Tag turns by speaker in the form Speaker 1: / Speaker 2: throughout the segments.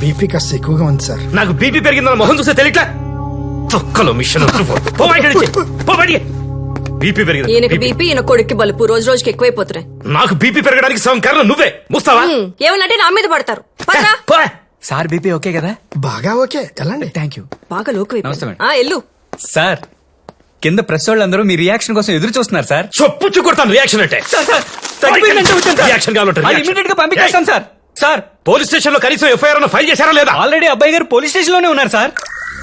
Speaker 1: BP కాస్త ఎక్కువగా ఉంది సార్.
Speaker 2: నాకు బీపీ పెరిగిందని మొహం చూస్తే తెలియట్లా. తొక్కలో మిషన్ బీపీ పెరిగింది.
Speaker 3: ఈయనకి బీపీ, ఈయన కొడుక్కి బలుపు రోజు రోజుకి ఎక్కువైపోతున్నాయి.
Speaker 2: నాకు బీపీ పెరగడానికి సగం కారణం నువ్వే. ముస్తావా?
Speaker 3: ఏమనంటే నా మీద పడతారు. పదరా.
Speaker 4: సార్ బీపీ ఓకే కదా?
Speaker 1: బాగా ఓకే, వెళ్ళండి.
Speaker 4: Thank you.
Speaker 3: బాగా లోకు ఎల్లు.
Speaker 4: సార్ కింద ప్రెస్ వాళ్ళందరూ మీ రియాక్షన్ కోసం ఎదురు చూస్తున్నారు సార్.
Speaker 2: చొప్పుచ్చు కొడతాను రియాక్షన్ అంటే. రియాక్షన్
Speaker 4: ఇమీడియట్ గా పంపించేస్తాం సార్. సార్
Speaker 2: పోలీస్ స్టేషన్ లో కనీసం ఎఫ్ఐఆర్ ఫైల్ చేశారా లేదా?
Speaker 4: ఆల్రెడీ అబ్బాయి గారు పోలీస్ స్టేషన్ లోనే ఉన్నారు సార్.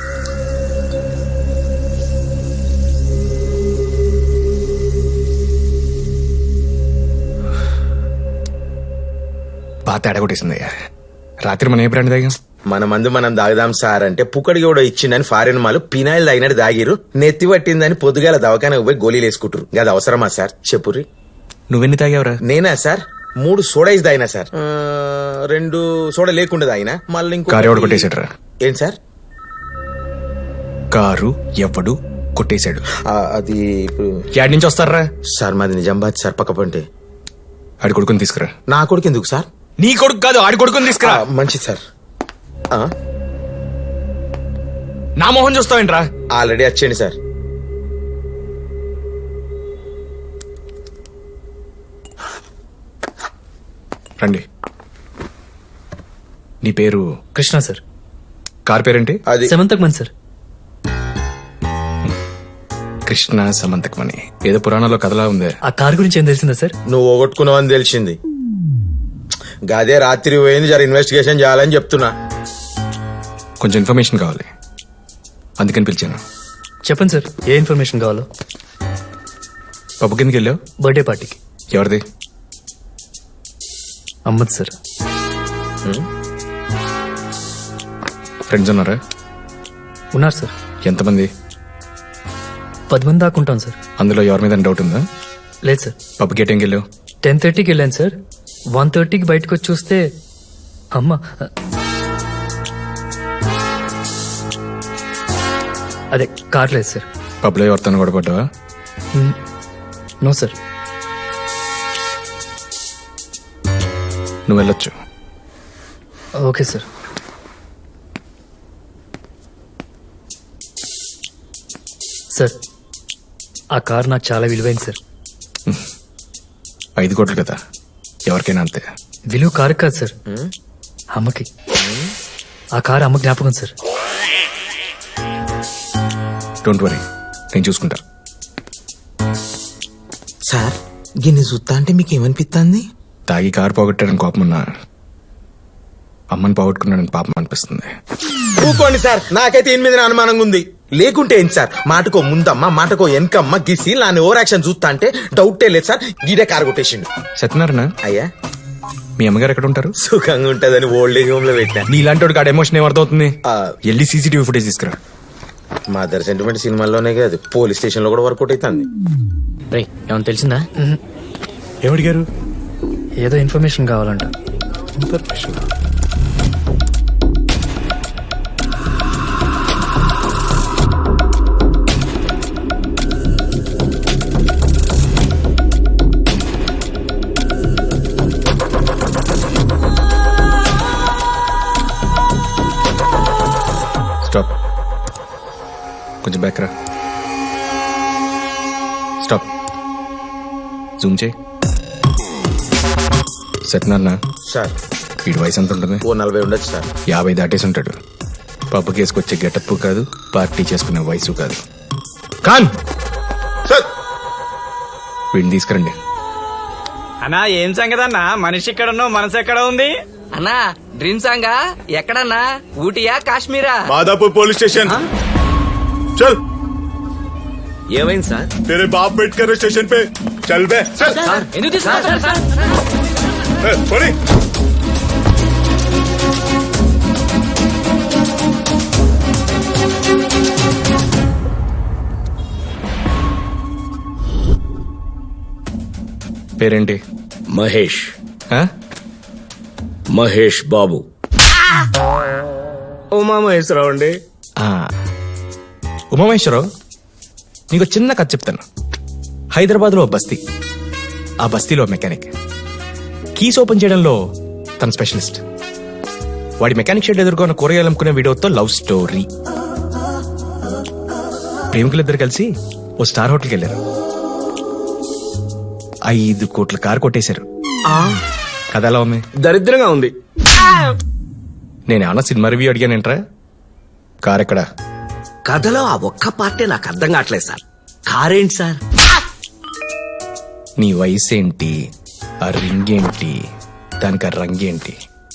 Speaker 5: బాగా తేడా కొట్టేసిందయ్యా. రాత్రి మనం ఏ బ్రాండ్ తాగాం?
Speaker 6: మన మందు మనం దాగుదాం సార్ అంటే పుక్కడికి కూడా ఇచ్చిందని ఫారిన్ మాలు పినాయిల్ తాగినట్టు దాగిరు. నెత్తి పట్టిందని పొద్దుగాల దవాఖానకు పోయి గోళీలు వేసుకుంటారు. అది అవసరమా సార్ చెప్పుర్రి.
Speaker 5: నువ్వెన్ని తాగావురా?
Speaker 6: నేనా సార్ 3 సోడాయిస్ తాగినా సార్. 2 సోడా లేకుండా తాగినా. మళ్ళీ ఇంకో
Speaker 5: కారు ఎవడు కొట్టేశాడు?
Speaker 6: ఏం సార్?
Speaker 5: కారు ఎవడు కొట్టేశాడు?
Speaker 6: అది ఇప్పుడు
Speaker 5: యాడ్ నుంచి వస్తారా
Speaker 6: సార్? మాది నిజామాబాద్ సార్, పక్క పంటే.
Speaker 5: ఆడి కొడుకుని తీసుకురా.
Speaker 6: నా కొడుకు ఎందుకు సార్?
Speaker 5: నీ కొడుకు కాదు, ఆడి కొడుకుని తీసుకురా.
Speaker 6: మంచిది సార్.
Speaker 5: నా మొహం చూస్తావేంట్రా?
Speaker 6: ఆల్రెడీ వచ్చేయండి సార్.
Speaker 5: రండి. నీ పేరు?
Speaker 4: కృష్ణ సార్.
Speaker 5: కార్ పేరేంటి?
Speaker 6: అది
Speaker 4: సెమంతకమన్ సార్.
Speaker 5: కృష్ణ సమంతకమని ఏదో పురాణంలో కథలా ఉందే.
Speaker 4: ఆ కార్ గురించి ఏం తెలిసిందా సార్?
Speaker 6: నువ్వు పోగొట్టుకున్నావని తెలిసింది. గదే రాత్రి పోయింది. జర ఇన్వెస్టిగేషన్ చేయాలని చెప్తున్నా.
Speaker 5: కొంచెం ఇన్ఫర్మేషన్ కావాలి, అందుకని పిలిచాను.
Speaker 4: చెప్పండి సార్, ఏ ఇన్ఫర్మేషన్ కావాలో.
Speaker 5: పప్పు కిందకి వెళ్ళావు?
Speaker 4: బర్త్డే పార్టీకి.
Speaker 5: ఎవరిది?
Speaker 4: అమ్మద్ సార్.
Speaker 5: ఫ్రెండ్స్ ఉన్నారా?
Speaker 4: ఉన్నారు సార్.
Speaker 5: ఎంతమంది?
Speaker 4: 10 మంది దాకా ఉంటాం సార్.
Speaker 5: అందులో ఎవరి మీద డౌట్ ఉందా?
Speaker 4: లేదు సార్.
Speaker 5: పప్పుకి ఏ టైంకి వెళ్ళావు?
Speaker 4: 10:30కి వెళ్ళాను సార్. 1:30కి బయటకు వచ్చి చూస్తే అమ్మ అదే కార్ లేదు సార్.
Speaker 5: పబ్లో ఎవరితో గొడవపడ్డావా?
Speaker 4: No sir.
Speaker 5: నువ్వు వెళ్ళొచ్చు.
Speaker 4: Okay sir. సార్ ఆ కార్ నాకు చాలా విలువైంది సార్.
Speaker 5: 5 కోట్లు కదా, ఎవరికైనా అంతే.
Speaker 4: విలువ కారు కాదు సార్, అమ్మకి. ఆ కారు అమ్మ జ్ఞాపకం సార్.
Speaker 5: డోంట్ వరీ, నేను చూసుకుంటా.
Speaker 6: సార్ గిన్నె చూస్తా అంటే మీకు ఏమనిపిస్తుంది?
Speaker 5: తాగి కారు పోగొట్టాడని కోపం ఉన్నా, అమ్మని పోగొట్టుకున్నాడని పాపం అనిపిస్తుంది.
Speaker 6: ఊకోండి సార్, నాకైతే 8 మీద అనుమానంగా ఉంది. లేకుంటే ఏంటి సార్? మాటకో ముందమ్మ, మాటకో వెనకమ్మ గిసి నాని ఓవర్ యాక్షన్ చూస్తా అంటే డౌటే లేదు సార్. గీడే కారు కొట్టేసిండు.
Speaker 5: సత్యనారాయణ,
Speaker 6: అయ్యా
Speaker 5: మీ అమ్మగారు ఎక్కడ ఉంటారు?
Speaker 6: సుఖంగా ఉంటదని ఓల్డ్ ఏజ్ హోమ్ లో పెట్టా.
Speaker 5: నీ ఇలాంటి వాడికి ఆడ ఎమోషన్ ఏమర్థమవుతుంది? వెళ్ళి సీసీటీవీ ఫుటేజ్ తీసుకురా.
Speaker 6: మదర్ సెంటిమెంట్ సినిమాల్లోనే కాదు, పోలీస్ స్టేషన్ లో కూడా వర్కౌట్ అవుతుంది.
Speaker 4: ఏమన్నా తెలిసిందా?
Speaker 5: ఏమడిగారు?
Speaker 4: ఏదో ఇన్ఫర్మేషన్ కావాలంట.
Speaker 5: స్టాప్, కొంచెం బ్యాక్ రా. స్టాప్, జూమ్ చేయి. సత్యనారాయణ
Speaker 6: సార్
Speaker 5: వీడి వయసు ఎంత ఉంటుంది?
Speaker 6: ఓ 40 ఉండొచ్చు సార్.
Speaker 5: 50 దాటేసి ఉంటాడు. పబ్బు కేసుకొచ్చే గెటప్ కాదు, పార్టీ చేసుకునే వయసు కాదు. ఖాన్
Speaker 6: సార్
Speaker 5: వీడిని తీసుకురండి.
Speaker 4: అన్నా ఏం సంగతి అన్నా? మనిషి ఇక్కడ ఉన్నావు, మనసు ఎక్కడ ఉంది
Speaker 7: అన్నా? డ్రీమ్ సాంగా ఎక్కడన్నా? ఊటీయా కాశ్మీరా?
Speaker 8: माधापुर पुलिस स्टेशन चल।
Speaker 7: ఏమైంది సార్?
Speaker 8: तेरे बाप वेट कर रहे स्टेशन पे, चल बे। चल
Speaker 7: ఎందుకు తీసుకున్నారు సార్?
Speaker 8: सॉरी।
Speaker 5: పేరేంటి?
Speaker 2: మహేష్.
Speaker 5: ఆ?
Speaker 2: మహేష్ బాబు. ఉమామహేశ్వరరావు అండి.
Speaker 5: ఉమామహేశ్వరరావు, నీకు చిన్న కథ చెప్తాను. హైదరాబాద్ లో బస్తీ, ఆ బస్తీలో మెకానిక్. కీస్ ఓపెన్ చేయడంలో తన స్పెషలిస్ట్. వాడి మెకానిక్ షెడ్ ఎదుర్కొన్న కూరగాయలు అమ్ముకునే వీడియోతో లవ్ స్టోరీ. ప్రేమికులిద్దరు కలిసి ఓ స్టార్ హోటల్కి వెళ్ళారు. 5 కోట్ల కారు కొట్టేశారు. కథ ఎలా ఉంది?
Speaker 2: దరిద్రంగా ఉంది.
Speaker 5: నేనేమన్నా సినిమా రివ్యూ అడిగానేంట్రా? కార్ ఎక్కడా?
Speaker 2: కథలో ఆ ఒక్క పార్టీ నాకు అర్థం కావట్లేదు సార్. కారేంటి సార్?
Speaker 5: నీ వయసు ఏంటి, ఆ రింగ్ ఏంటి, దానికి ఆ రంగేంటి?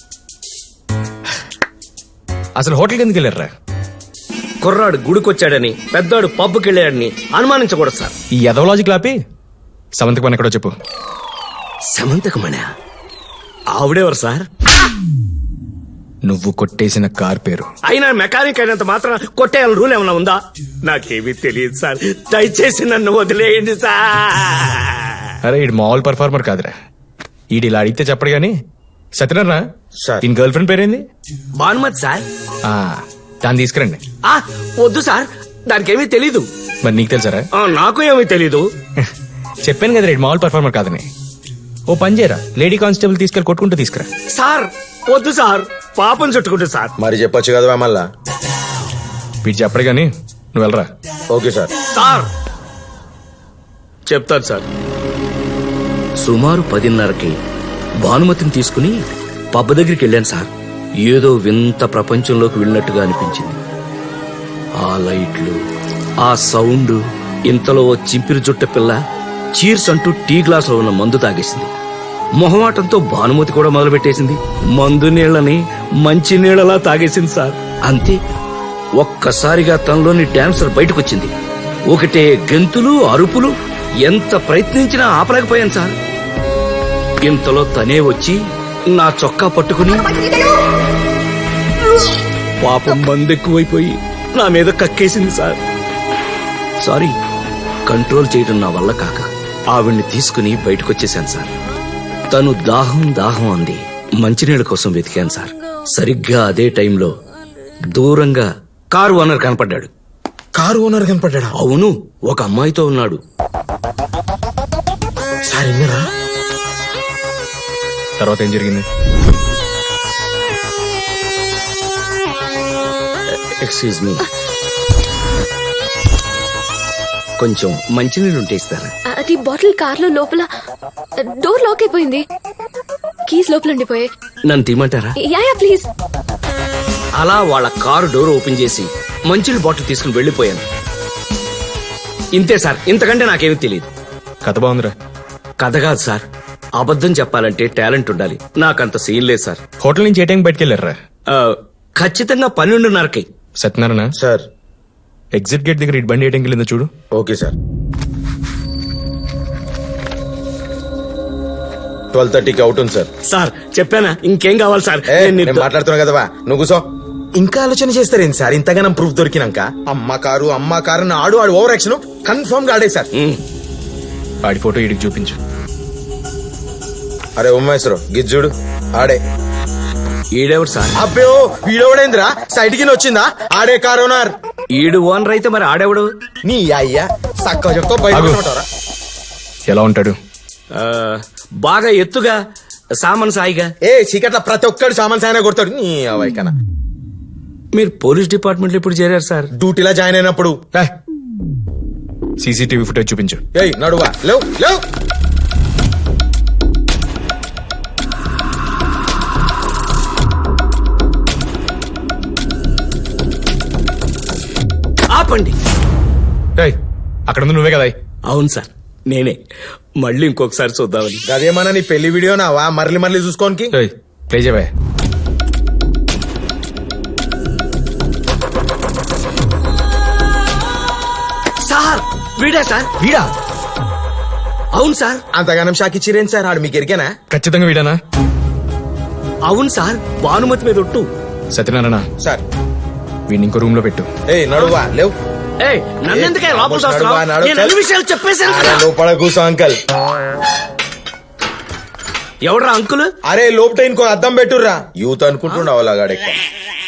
Speaker 5: అసలు హోటల్కి ఎందుకు వెళ్ళారా?
Speaker 2: కుర్రాడు గుడికొచ్చాడని, పెద్దవాడు పబ్కి వెళ్ళాడని అనుమానించకూడదు సార్.
Speaker 5: ఈ ఎదవలాజిక్ లాపి సమంతకు మన ఎక్కడో చెప్పు.
Speaker 2: సమంతకమణ ఆవిడెవరు సార్?
Speaker 5: నువ్వు కొట్టేసిన కార్ పేరు.
Speaker 2: అయినా మెకానిక్ అయినంత మాత్రం కొట్టేయాలని రూల్ ఏమైనా ఉందా? నాకేమీ తెలియదు సార్. దయచేసి నన్ను వదిలేయండి సార్.
Speaker 5: అరే ఈడు మామూలు పర్ఫార్మర్ కాదురా. ఈడు ఇలా అడిగితే చెప్పడు గాని. సత్యనారాయణ
Speaker 6: సార్.
Speaker 5: ఈయన గర్ల్ ఫ్రెండ్ పేరేంది?
Speaker 2: భానుమతి సార్.
Speaker 5: ఆ, దాన్ని తీసుకురండి.
Speaker 2: ఆ, వద్దు సార్, దానికేమీ తెలీదు.
Speaker 5: మరి నీకు తెలుసారా?
Speaker 2: నాకు ఏమీ తెలీదు.
Speaker 5: చెప్పాను కదా ఈడు మామూలు పర్ఫార్మర్ కాదని. ఓ పని చేయరా, లేడీ కానిస్టేబుల్ తీసుకెళ్ళి కొట్టుకుంటూ తీసుకురా.
Speaker 2: సార్ వద్దు సార్, పాపం చుట్టుకుంటు సార్.
Speaker 6: మరి చెప్పొచ్చు కదా మళ్ళా.
Speaker 5: వీడు చెప్పడు గాని నువ్వు వెళ్ళరా.
Speaker 6: Okay sir.
Speaker 2: సార్ చెప్తాను సార్. సుమారు 10:30కి భానుమతిని తీసుకుని పబ్బ దగ్గరికి వెళ్ళాను సార్. ఏదో వింత ప్రపంచంలోకి వెళ్ళినట్టుగా అనిపించింది. ఆ లైట్లు, ఆ సౌండ్. ఇంతలో ఓ చింపిరి జుట్ట పిల్ల చీర్స్ అంటూ టీ గ్లాస్ లో ఉన్న మందు తాగేసింది. మొహమాటంతో భానుమతి కూడా మొదలుపెట్టేసింది. మందు నీళ్లని మంచి నీళ్లలా తాగేసింది సార్. అంతే, ఒక్కసారిగా తనలోని డాన్సర్ బయటకొచ్చింది. ఒకటే గెంతులు, అరుపులు. ఎంత ప్రయత్నించినా ఆపలేకపోయాను సార్. ఇంతలో తనే వచ్చి నా చొక్కా పట్టుకుని పాపం మందెక్కువైపోయి నా మీద కక్కేసింది సార్. సారీ, కంట్రోల్ చేయడం నా వల్ల కాక ఆవిడ్ని తీసుకుని బయటకొచ్చేశాను సార్. తను దాహం దాహం అంది. మంచినీళ్ళ కోసం వెతికాను సార్. సరిగ్గా అదే టైంలో దూరంగా కారు ఓనర్ కనపడ్డాడు.
Speaker 6: కారు ఓనర్ కనపడ్డా?
Speaker 2: అవును, ఒక అమ్మాయితో ఉన్నాడు.
Speaker 6: సార్ ఇన్నరా?
Speaker 5: తర్వాత ఏం జరిగింది?
Speaker 2: ఎక్స్క్యూజ్ మీ, కొంచెం మంచినీళ్ళు ఉంటే ఇస్తారా?
Speaker 9: అది బాటిల్ కార్లో లోపల డోర్ లాక్ అయిపోయింది. కీస్ లోపల ఉండిపోయాయి.
Speaker 2: నన్ను తీయమంటారా?
Speaker 9: Yeah please.
Speaker 2: అలా వాళ్ళ కారు డోర్ ఓపెన్ చేసి మంచినీళ్ళ బాటిల్ తీసుకుని వెళ్లిపోయాను. ఇంతే సార్, ఇంతకంటే నాకేమీ తెలియదు.
Speaker 5: కథ బాగుందిరా.
Speaker 2: కథ కాదు సార్, అబద్ధం చెప్పాలంటే టాలెంట్ ఉండాలి. నాకంత సీన్ లేదు సార్.
Speaker 5: హోటల్ నుంచి ఏ టైం బయటకు వెళ్ళారా?
Speaker 2: ఖచ్చితంగా 12:30కి.
Speaker 5: సత్యనారాయణ,
Speaker 6: సార్.
Speaker 5: ఎగ్జిట్ గేట్ దగ్గర ఇటు బండి ఏ టైంకి వెళ్ళిందో చూడు.
Speaker 6: Okay sir. 12:30కి అవుట్ ఉంది సార్.
Speaker 2: సార్ చెప్పానా, ఇంకేం కావాలి సార్?
Speaker 6: నేను మాట్లాడుతున్నా కదవా, నువ్వు కూసో. ఇంకా ఆలోచన చేస్తారేంటి సార్ ఇంతగానం ప్రూఫ్ దొరికినాక? అమ్మ కారు ఆడు ఓవర్ యాక్షన్ కన్ఫర్మ్ గా ఆడే సార్.
Speaker 5: ఆడి ఫోటో ఇడికి చూపించు.
Speaker 6: అరే ఉమ్మేశ్వరం గిజ్జుడు ఆడే.
Speaker 2: ఈడెవడు సార్?
Speaker 6: అబ్బో వీడోడేంద్రా, సైడ్ కింద వచ్చిందా? ఆడే కారు ఓనర్.
Speaker 2: ఈడు ఓనర్ అయితే మరి ఆడెవడు?
Speaker 6: నీ అయ్యా సక్క చెప్తా బయట ఉంటారా?
Speaker 5: ఎలా ఉంటాడు?
Speaker 2: బాగా ఎత్తుగా, సామాన్ సాయిగా.
Speaker 6: చీకట్ల ప్రతి ఒక్కడు సామాన్ సాయన కొడతాడు. నీ అవైకనా.
Speaker 2: మీరు పోలీస్ డిపార్ట్మెంట్ లో ఇప్పుడు చేరారు సార్?
Speaker 6: డ్యూటీలో జాయిన్ అయినప్పుడు.
Speaker 5: సీసీటీవీ ఫుటేజ్ చూపించు.
Speaker 6: నడువా లేవు లేవు.
Speaker 2: ఆపండి.
Speaker 5: అక్కడ ఉంది నువ్వే కదా?
Speaker 2: అవును సార్, నేనే. మళ్ళీ ఇంకొకసారి చూద్దామని.
Speaker 6: అదేమన్నా నీ పెళ్లి వీడియో నావా మరలి చూసుకోనికి?
Speaker 5: ప్లే చేయవా?
Speaker 2: సార్ వీడా సార్?
Speaker 5: వీడా?
Speaker 2: అవును సార్.
Speaker 6: అంతగానం షాక్ ఇచ్చిరేం సార్? ఆడు మీకు ఎరికేనా?
Speaker 5: ఖచ్చితంగా వీడానా?
Speaker 2: అవును సార్, భానుమతి మీద ఒట్టు.
Speaker 5: సత్యనారాయణ
Speaker 6: సార్,
Speaker 5: వీడిని ఇంకో రూమ్ లో పెట్టు.
Speaker 6: నడువా లేవు.
Speaker 2: నన్నెందుకే లోపల చూస్తున్నావు? నేను అన్ని విషయాలు చెప్పేశాను కదా.
Speaker 6: లోపల కూసో అంకల్.
Speaker 2: ఎవడ్రా అంకుల్?
Speaker 6: అరే లోపట ఇంకో అద్దం పెట్టుర్రా. యూత్ అనుకుంటుండవు అలాగాడే.